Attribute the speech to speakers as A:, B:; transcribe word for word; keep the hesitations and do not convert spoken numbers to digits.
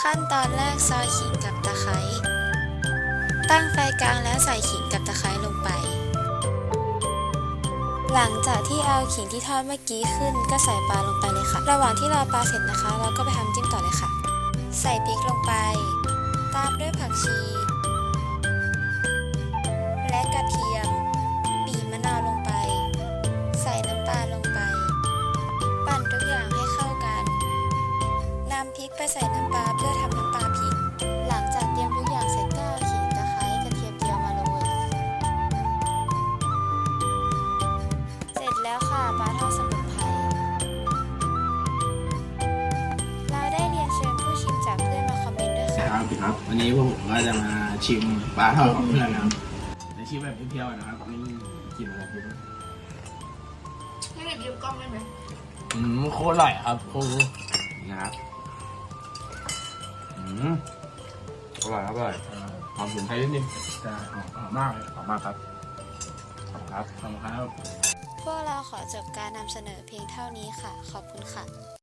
A: ขั้นตอนแรกซอยขิงกับตะไคร้ตั้งไฟกลางแล้วใส่ขิงกับตะไคร้ลงไปหลังจากที่เอาขิงที่ทอดเมื่อกี้ขึ้นก็ใส่ปลาลงไปเลยค่ะระหว่างที่รอปลาเสร็จนะคะเราก็ไปทำจิ้มต่อเลยค่ะใส่พริกลงไปตามด้วยผักชีและกระเทียมบีบมะนาวลงไปใส่น้ำตาลลงไปปั่นทุกอย่างให้เข้ากันนำพริกไปใส่น้ำปลาเพื่อทำน้ำปลาพริกหลังจากเตรียมทุกอย่างเสร็จก็เอาขิงตะไคร้กระเทียมเจียวมาโรยเสร็จแล้วค่ะปลาทอดสมุนไพรเราได้เรียนเชิญผู้ชิมจากเพื่อนมาคอมเมนต์ด้วยค่ะ
B: ครับครับวันนี้พวกผมก็จะมาชิมปลาทอดของเพื่อนนะครับในชิมแบบเพียวๆนะครับนี่กินอะไรกิน
C: ไม่ได้ยืมกล้องได้ไหม
B: อืมโคตรอร่อยครับโคตรนะครับอืมอร่อยครับอร่อยหอมสมุนไพรนิดนึงจะหอมหอมมากเลยหอมมากครับขอบคุณครับขอบคุณครับ
A: พวกเราขอจบการนำเสนอเพียงเท่านี้ค่ะขอบคุณค่ะ